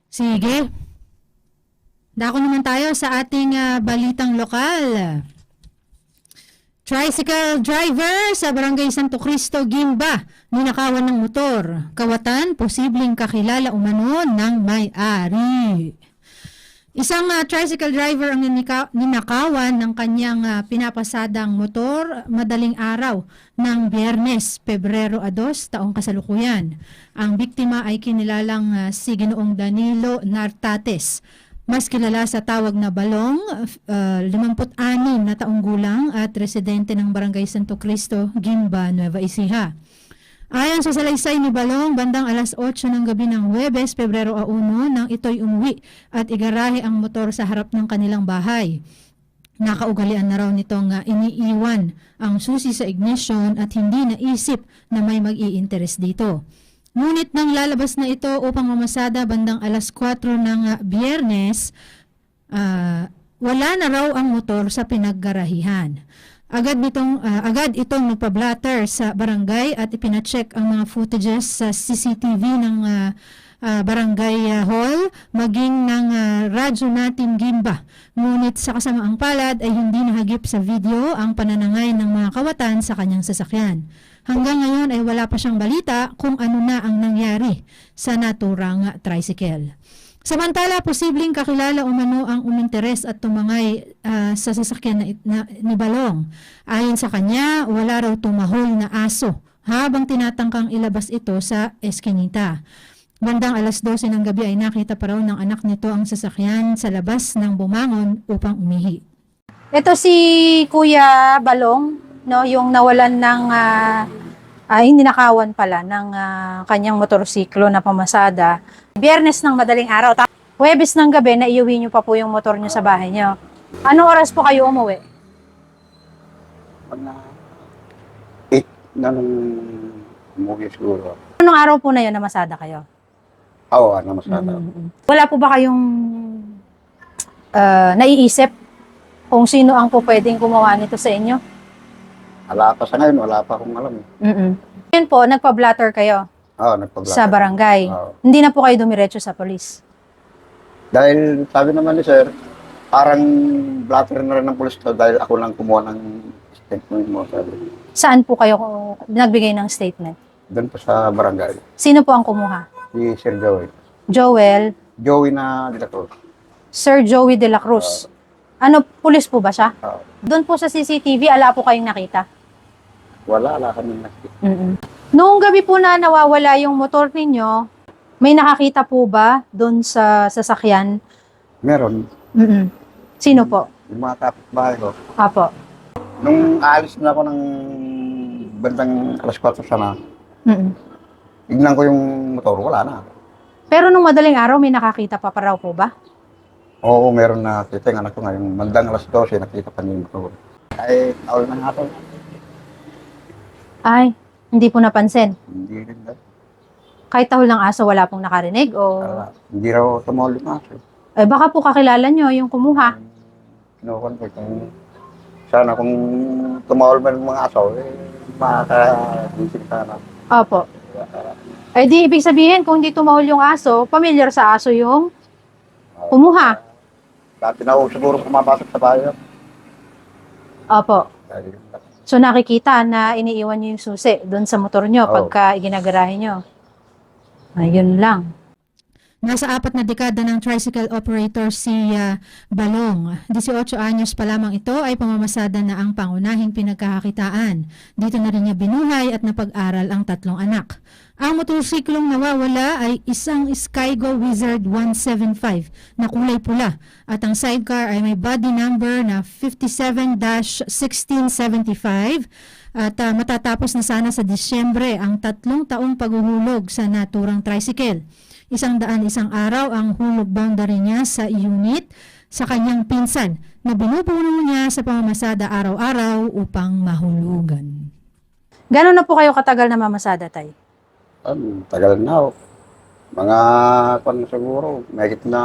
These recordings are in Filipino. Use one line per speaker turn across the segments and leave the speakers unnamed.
Sige. Dako naman tayo sa ating balitang lokal. Tricycle driver sa Barangay Santo Cristo, Gimba, ninakawan ng motor. Kawatan, posibleng kakilala umano ng may-ari. Isang tricycle driver ang ninakawan ng kanyang pinapasadang motor madaling araw ng Biyernes, Pebrero 2, taong kasalukuyan. Ang biktima ay kinilalang si Ginoong Danilo Nartates, mas kilala sa tawag na Balong, 56 na taong gulang at residente ng Barangay Santo Cristo, Gimba, Nueva Ecija. Ayon sa salaysay ni Balong, bandang alas 8 ng gabi ng Huwebes, Pebrero 1, nang ito'y umuwi at igarahe ang motor sa harap ng kanilang bahay. Nakaugalian na raw nitong iniiwan ang susi sa ignition at hindi naisip na may mag-i-interest dito. Ngunit nang lalabas na ito upang mamasada bandang alas 4 ng Biyernes, wala na raw ang motor sa pinaggarahihan. Agad itong nagpa-blatter sa barangay at ipinacheck ang mga footages sa CCTV ng barangay hall maging ng radyo natin Gimba. Ngunit sa kasamaang palad ay hindi nahagip sa video ang pananangay ng mga kawatan sa kanyang sasakyan. Hanggang ngayon ay wala pa siyang balita kung ano na ang nangyari sa naturang tricycle. Samantala, posibleng kakilala umano ang uminteres at tumangay sa sasakyan ni Balong. Ayon sa kanya, wala raw tumahol na aso habang tinatangkang ilabas ito sa eskinita. Bandang alas 12 ng gabi ay nakita pa raw ng anak nito ang sasakyan sa labas ng bumangon upang umihi.
Ito si Kuya Balong, no, yung nawalan ng ninakawan pala ng kanyang motorsiklo na pamasada. Biyernes ng madaling araw, Huwebes ng gabi, naiuwi niyo pa po yung motor niyo sa bahay niyo. Anong oras po kayo umuwi?
Mga 8 na nung umuwi siguro.
Anong araw po na yun na masada kayo?
Oo, ano masada.
Wala po ba kayong naiisip kung sino ang po pwedeng gumawa nito sa inyo?
Wala pa sa ngayon, wala pa akong alam.
Yun po, nagpa-blatter kayo
Oo, nagpablatter.
sa barangay.
Oo.
Hindi na po kayo dumiretso sa polis.
Dahil sabi naman ni sir, parang blatter na rin ng pulis to dahil ako lang kumuha ng statement mo. Sabi.
Saan po kayo nagbigay ng statement?
Doon pa sa barangay.
Sino po ang kumuha?
Si Sir Joey.
Joel,
Joey na dila ko.
Sir Joey de la Cruz. Ano, pulis po ba siya?
Oo.
Doon po sa CCTV, ala po kayong nakita?
Wala kami nakita.
Noong gabi po na nawawala yung motor ninyo, may nakakita po ba doon sa sasakyan?
Meron,
Sino po?
yung mga kapitbahay ko.
Apo.
Nung alis na ako ng bandang alas 4 sana, tignan ko yung motor, wala na.
Pero nung madaling araw, may nakakita pa raw po ba?
Oo, meron na kita yung anak ko ngayon. Mandang alas 12, nakita pa niya yung motor. Ay, tawal na nga to.
Ay, hindi po napansin.
Hindi rin na.
Kahit tahol ng aso, wala pong nakarinig o...
Hindi raw tumawal yung aso.
Eh, baka po kakilala nyo yung kumuha.
Kinukuhan ko kung sana kung tumawal man yung mga aso, makaka-isip sana.
Opo. Eh di, ibig sabihin, kung hindi tumahol yung aso, familiar sa aso yung kumuha.
Dati na ako siguro pumapasok sa bayan.
Opo.
Dahil
So nakikita na iniiwan nyo yung susi doon sa motor nyo
Oo.
pagka iginagarahe nyo. Ayun lang.
Nasa 4 na dekada ng tricycle operator si Balong. 18 anyos pa lamang ito ay pamamasada na ang pangunahing pinagkakakitaan. Dito na rin niya binuhay at napag-aral ang 3 anak. Ang motorsiklong nawawala ay isang Skygo Wizard 175 na kulay pula at ang sidecar ay may body number na 57-1675 at matatapos na sana sa Disyembre ang 3 taong paghuhulog sa naturang tricycle. 100 araw ang hulog boundary niya sa unit sa kanyang pinsan na binubuno niya sa pamamasada araw-araw upang mahulugan.
Gano'n na po kayo katagal na mamasada, tay?
tagal na ako. Mga kung siguro, may na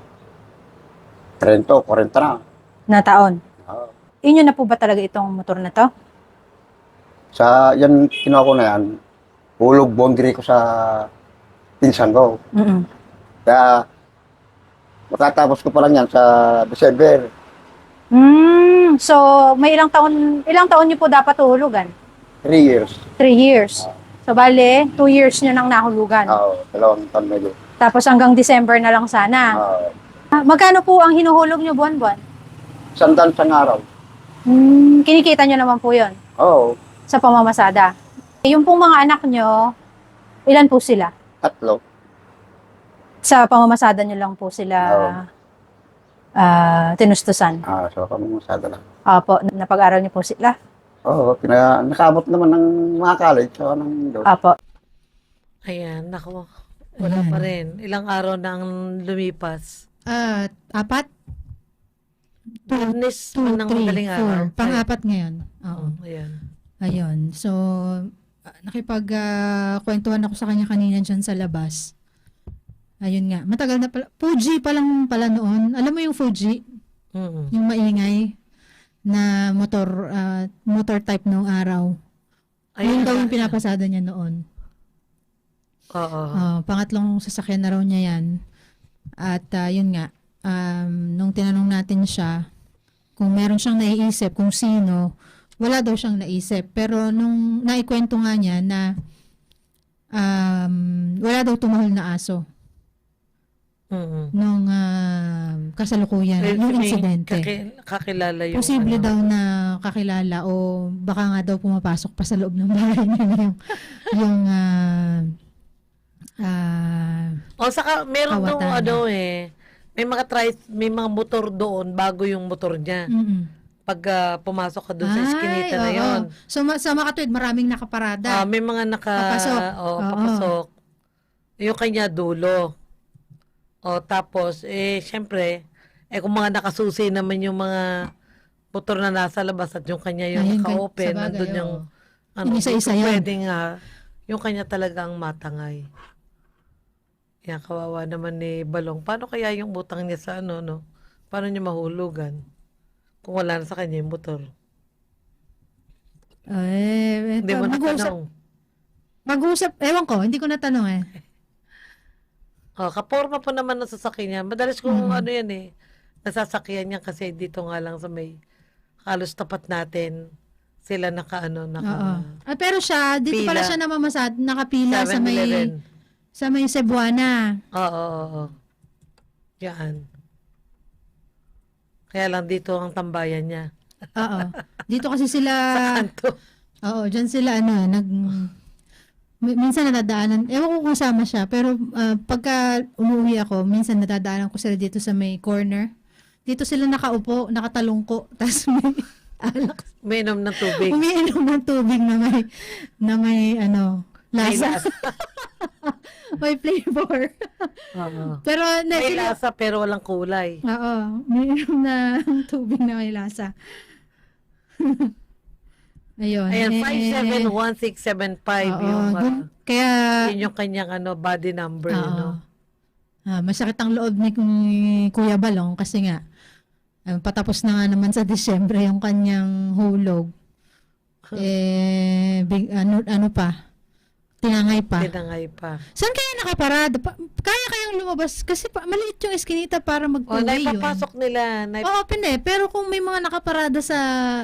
30, 40 na.
Na taon?
Oo.
Inyo na po ba talaga itong motor na to?
Sa yan, kinuha ko na yan, hulog boundary ko sa pinsan ko.
Mm-mm.
Kaya Makatapos ko pa lang yan sa December.
So, may ilang taon niyo po dapat uhulugan?
3 years.
3 years. So, bale, 2 years niyo nang nahulugan.
Oo, 2 taon medyo.
Tapos hanggang December na lang sana. Magkano po ang hinuhulog niyo buwan-buwan?
100 sa araw.
Kinikita niyo naman po yon
Oo,
sa pamamasada. Yung pong mga anak niyo, ilan po sila?
3.
Sa pamamasada niyo lang po sila tinustusan.
So kami masada lang.
Opo, napag-aral niyo po sila.
Oo, nakabot naman ng mga college. So, ng doon.
Opo.
Ayan, nako. Wala pa rin. Ilang araw nang lumipas.
4,
Biyernes
2,
ng
3,
madaling araw.
4. Pang-apat ngayon. Oo.
Ayan.
Ayun. So, nakipag-kwentuhan ako sa kanya kanina dyan sa labas. Ayun nga. Matagal na pala. Fuji pa lang pala noon. Alam mo yung Fuji?
Mm.
Yung maingay na motor type noong araw. Ayun daw yung pinapasada niya noon.
Oo.
Pangatlong sasakyan na raw niya yan. At yun nga. Nung tinanong natin siya kung meron siyang naiisip kung sino, wala daw siyang naisip. Pero nung naikwento nga niya na wala daw tumahol na aso nung kasalukuyan, yung insidente.
Kakilala yung
Posible daw na kakilala o baka nga daw pumapasok pa sa loob ng bahay niya yung
saka meron
kawatan.
daw may mga motor doon bago yung motor niya. Pag pumasok ka doon sa iskinita na yon.
So sa Makatwid, maraming nakaparada.
May mga
Papasok.
papasok. Yung kanya dulo. Tapos, syempre, kung mga nakasusi naman yung mga motor na nasa labas at yung kanya yung
Ayun,
naka-open,
sabagay,
nandun yung,
Yung isa-isa yan.
pwedeng, yung kanya talagang matangay. Yan, kawawa naman ni Balong. Paano kaya yung butang niya sa no? Paano niya mahulugan? Kung wala na sa kanya yung motor. Hindi mo natanong.
Mag-usap, ewan ko, hindi ko natanong eh.
Kaporma pa naman ng sasakyan niya. Madalas kung yan nasasakyan niya kasi dito nga lang sa may halos tapat natin sila
Pero siya, dito pala
pila.
siya nakapila sa
7-Eleven.
may Cebuana.
Oo. Yan. Kaya lang dito ang tambayan niya.
Oo. Dito kasi sila,
Sa kanto.
dyan sila minsan nadadaanan, ewan ko kung sama siya, pero pagka umuwi ako, minsan nadadaanan ko sila dito sa may corner. Dito sila nakaupo, nakatalungko, tapos may alak.
Umiinom ng tubig.
Umiinom ng tubig na may lasa. May flavor.
Oo.
Pero
May
sila,
lasa pero walang kulay.
oo, umiinom na tubig na may lasa. Ayun.
Ayan, 571675
kaya,
yun yung kanyang body number, no?
masakit ang loob ni Kuya Balong kasi nga, patapos na nga naman sa Disyembre yung kanyang hulog. Tinangay pa.
Tinangay pa.
Saan kaya nakaparada? Kaya kayang lumabas? Kasi maliit yung eskinita para mag-uwi yun.
Naipapasok nila.
Open pero kung may mga nakaparada sa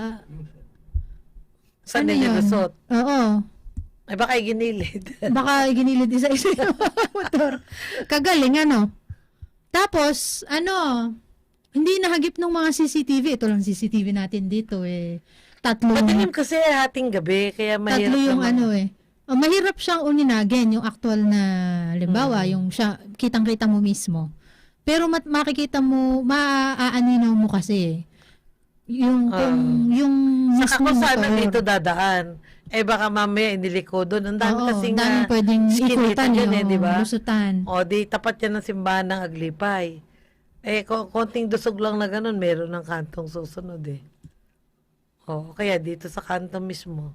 Sa
ano yun?
nilusot.
Oo.
Ay, baka ginilid.
Baka ginilid isa-isa yung motor. Kagaling, Tapos, hindi nahagip ng mga CCTV. Ito lang CCTV natin dito,
Madilim kasi hating gabi, kaya mahirap
tatlo yung
naman.
mahirap siyang uninagin, yung actual na, halimbawa, yung siya, kitang-kita mo mismo. Pero makikita mo, maaaninaw mo kasi, yung
Saka
mismo
kung saan
motor.
dito dadaan, baka mamaya iniliko doon. Ang dami kasi
daming pwedeng
skinita
ikutan
dyan di ba?
lusutan.
Di tapat yan ng simbahan ng Aglipay. Konting dusog lang na ganun, meron ng kantong susunod kaya dito sa kanto mismo.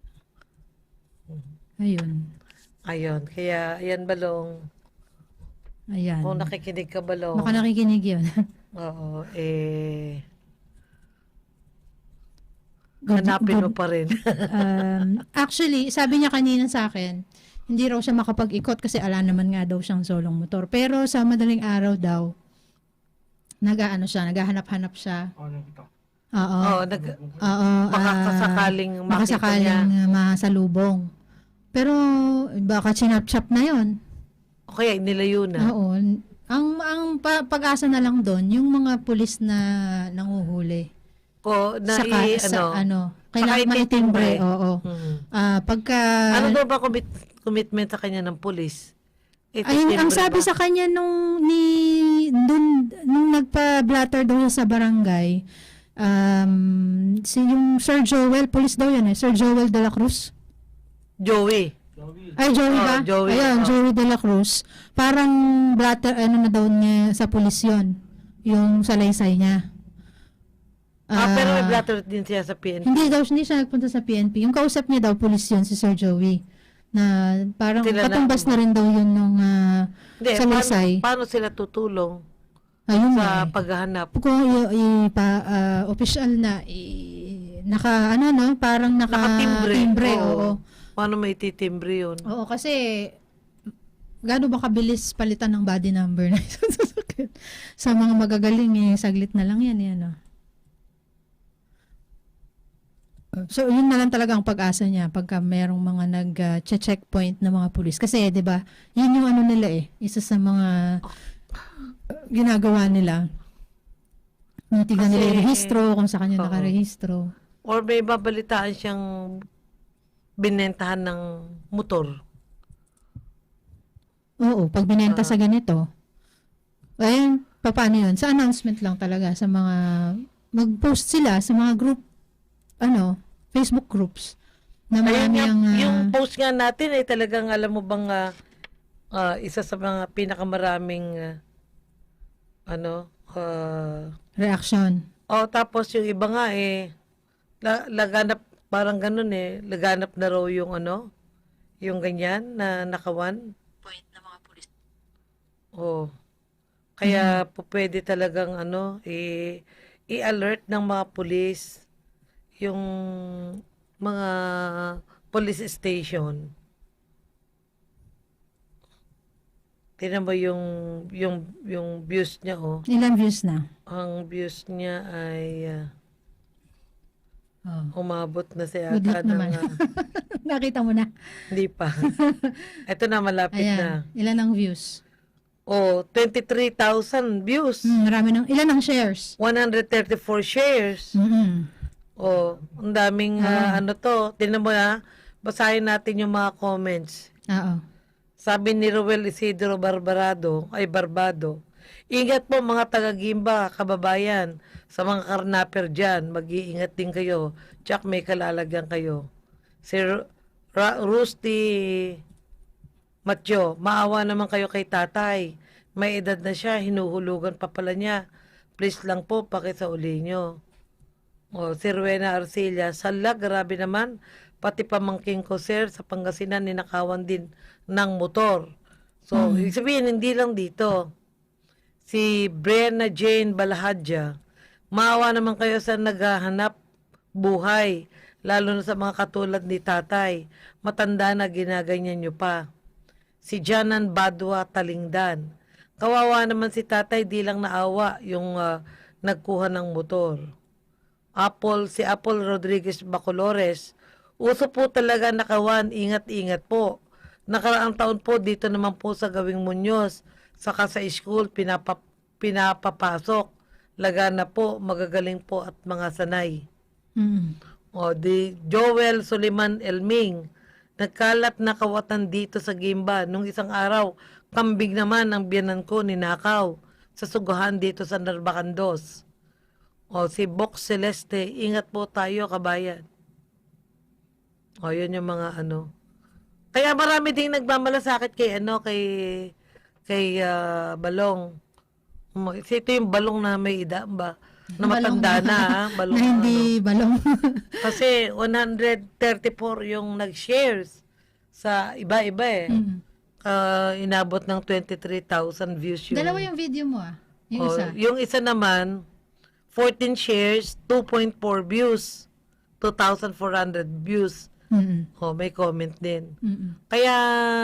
Ayun, kaya ayan Balong.
Ayan.
Kung nakikinig ka Balong.
Baka nakikinig yun.
Oo, hanapin mo pa rin.
Actually, sabi niya kanina sa akin, hindi raw siya makapag-ikot kasi ala naman nga daw siyang solong motor. Pero sa madaling araw daw, nag-aano siya, naghahanap-hanap siya. Oo.
Oh,
Oo.
makakasakaling makita
makasakaling
niya.
masalubong. Pero baka chinap-chap na 'yon.
O kaya nilayo na.
Oo. Pag-asa na lang doon, yung mga pulis na nanguhuli. Kailangan
saka
maitimbre.
itimbre.
Oo. Pagka
Ano daw ba commitment sa kanya ng pulis?
ay, ang sabi sa kanya nung nagpa-blatter daw siya sa barangay, yung Sir Joel, police daw yan Sir Joel de la Cruz.
Joey.
Ay, Joey ba?
Joey.
Ayun, Joey de la Cruz. Parang blatter, na daw niya sa pulis yun. Yung salaysay niya.
Pero may blatter din siya sa PNP.
Hindi siya nagpunta sa PNP. Yung kausap niya daw, pulis yun, si Sir Joey. Na parang
Sila
katumbas na rin daw yun nung
Hindi,
salaysay.
paano sila tutulong
Ayun
sa paghahanap?
Kung official na, parang
Nakatimbre.
oo.
Paano may titimbre yun?
Oo, kasi gaano ba kabilis palitan ng body number na isang sasakyan? Sa mga magagaling, saglit na lang yan. So, yun na lang talaga ang pag-asa niya pagka merong mga nag-checkpoint na mga pulis. Kasi, di ba, yun yung ano nila isa sa mga ginagawa nila. Tignan nila yung rehistro, kung sa kanya nakarehistro.
Or may babalitaan siyang binentahan ng motor.
Oo, pag binenta sa ganito, ayun, paano yun? Sa announcement lang talaga, sa mga, mag-post sila sa mga group, Facebook groups, na marami
yung post nga natin ay talagang, alam mo bang, isa sa mga pinakamaraming,
reaction.
Tapos yung iba nga, laganap, parang ganun laganap na raw yung yung ganyan na nakawan.
Point na mga pulis.
Kaya po pwede talagang i-alert ng mga pulis yung mga police station. Tingnan mo yung views niya
Ilang views na?
Ang views niya ay umabot na siya
Good luck naman. Nakita mo na.
Hindi pa. Ito na, malapit na.
Ilan ang views?
23,000 views.
Marami ilan ang shares?
134 shares. Ang daming Tingnan mo basahin natin yung mga comments.
Oo.
Sabi ni Roel Isidro Barbado, ingat po mga taga-Gimba, kababayan, sa mga karnaper dyan, mag-iingat din kayo, tsak may kalalagyan kayo. Si Rusty Matyo, maawa naman kayo kay tatay, may edad na siya, hinuhulugan pa pala niya, please lang po, pakisauli nyo. Si Rowena Arcilla, sala, grabe naman, pati pamangking ko sir, sa Pangasinan, ninakawan din ng motor. So, ibig sabihin, hindi lang dito. Si Brenna Jane Balahadja, maawa naman kayo sa naghahanap buhay, lalo na sa mga katulad ni tatay. Matanda na, ginaganyan nyo pa. Si Janan Badwa Talingdan, kawawa naman si tatay, di lang naawa yung nagkuha ng motor. Si Apple Rodriguez Bacolores, uso po talaga nakawan, ingat-ingat po. Nakaraang taon po, dito naman po sa Gawing Muñoz, saka sa school, pinapapasok. Lagana po, magagaling po at mga sanay. Di Joel Suliman Elming, nagkalat na kawatan dito sa Gimba. Nung isang araw, kambing naman ang biyanan ko, ninakaw sa suguhan dito sa Narbacandos. Si Box Celeste, ingat po tayo, kabayan. Yun yung mga Kaya marami ding nagmamalasakit kay Balong. Ito yung Balong na may edad ba? Na matanda na, Balong.
Na hindi balong.
Kasi 134 yung nag-shares sa iba-iba inabot ng 23,000 views yung...
Dalawa yung video mo Yung isa.
Yung isa naman, 14 shares, 2.4 views. 2,400 views. May comment din. Kaya,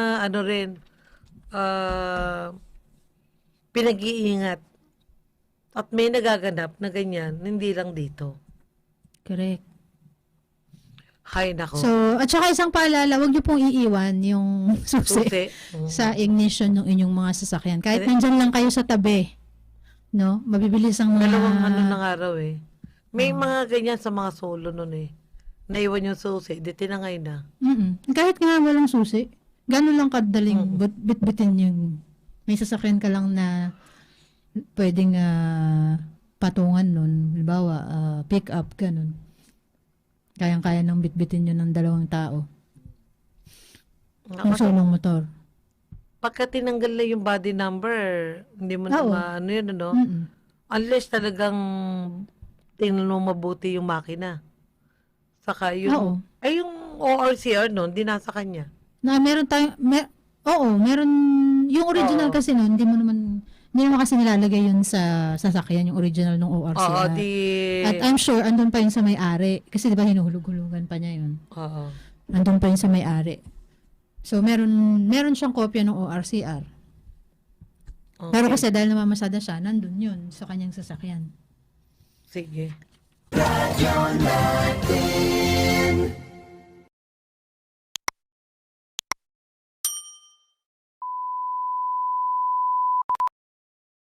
pinag-iingat At may nagaganap na ganyan, hindi lang dito.
Correct.
Hay nako.
So, at saka isang paalala, huwag niyo pong iiwan yung susi
Susi.
sa ignition ng inyong mga sasakyan. Kahit nandyan lang kayo sa tabi, no? Mabibilis ang mga...
Dalawang ano ng araw eh. May mga ganyan sa mga solo nun eh. Naiwan yung susi, di tinangay na.
Kahit nga walang susi, gano'n lang kadaling bitbitin yung... May sasakyan ka lang na pwedeng patungan nun. Halimbawa, pick up, gano'n. Kayang-kaya nang bitbitin yun ng dalawang tao. Yung solong motor.
Pagka tinanggal na yung body number, hindi mo na
Oo.
maano yun, ano? Unless talagang tingnan mo mabuti yung makina. Saka
Oo.
yung... Ay, yung ORCR nun, di nasa kanya.
Na meron tayong... meron... Yung original kasi nun, hindi naman kasi nilalagay yun sa sasakyan, yung original ng
Oo,
ORCR.
di...
At I'm sure, andun pa yun sa may-ari. Kasi di ba hinuhulog-hulugan pa niya yun.
Oo.
Andun pa yun sa may-ari. So, meron siyang kopya ng ORCR.
Okay.
Pero kasi dahil namamasada siya, nandun yun sa kanyang sasakyan.
Sige.
Radyo natin.